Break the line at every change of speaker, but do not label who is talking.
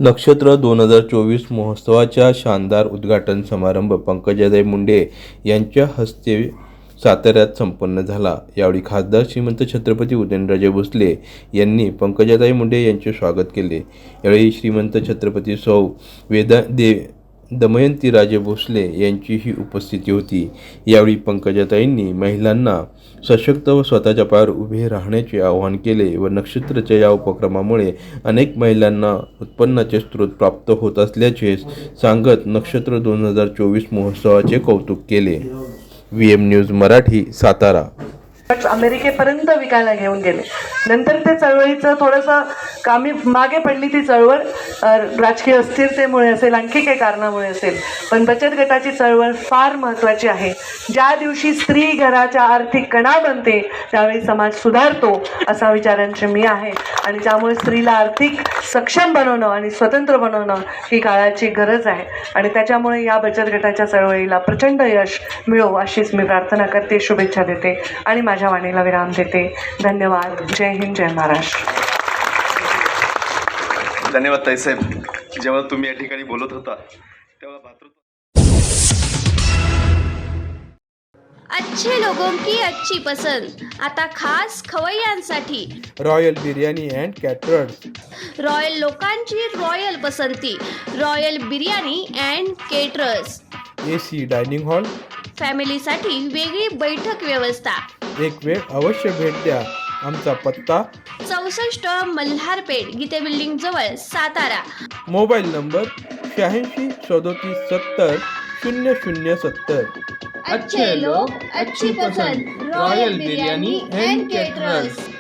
नक्षत्र 2024 महोत्सवाच्या शानदार उद्घाटन समारंभ पंकजाताई मुंडे यांच्या हस्ते साताऱ्यात संपन्न झाला। यावेळी खासदार श्रीमंत छत्रपती उदयनराजे भोसले यांनी पंकजाताई मुंडे यांचे स्वागत केले। यावेळी श्रीमंत छत्रपती सौ दमयंतीराजे भोसले यांचीही उपस्थिती होती। यावेळी पंकजाताईंनी महिलांना सशक्त व स्वतःच्या पायावर उभे राहण्याचे आवाहन केले व नक्षत्रच्या या उपक्रमामुळे अनेक महिलांना उत्पन्नाचे स्रोत प्राप्त होत असल्याचे सांगत नक्षत्र 2024 महोत्सवाचे कौतुक केले। VM news Marathi, Satara.
अमेरिकेपर्यंत विकायला घेऊन गेले। नंतर ते चळवळीचं थोडंसं मागे पडली ती चळवळ, राजकीय अस्थिरतेमुळे असेल, आणखी काही कारणामुळे असेल, पण बचत गटाची चळवळ फार महत्त्वाची आहे। ज्या दिवशी स्त्री घराच्या आर्थिक कणा बनते त्यावेळी समाज सुधारतो असा विचारांची मी आहे आणि त्यामुळे स्त्रीला आर्थिक सक्षम बनवणं आणि स्वतंत्र बनवणं ही काळाची गरज आहे आणि त्याच्यामुळे या बचत गटाच्या चळवळीला प्रचंड यश मिळो अशीच मी प्रार्थना करते, शुभेच्छा देते आणि माझ्या वाणीला विराम देते। धन्यवाद। जय हिंद, जय महाराष्ट्र।
धन्यवाद ताईसाहेब। जेव्हा तुम्ही या ठिकाणी बोलत होता तेव्हा भातृत्व
अच्छे लोगों की अच्छी पसंद आता खास खवय्यांसाठी
royal biryani and caterers.
Royal लोकांची रॉयल पसंती, royal biryani and caterers.
AC dining hall,
फॅमिलीसाठी वेगळी बैठक व्यवस्था।
एक वेळ अवश्य भेट द्या। आमचा पत्ता
64 मल्हारपेठ, गीते बिल्डिंग जवळ, सातारा।
Mobile number 86 37 70 0070।
अच्छे लोग अच्छी पसंद, रॉयल बिर्याणी अँड केटरर्स।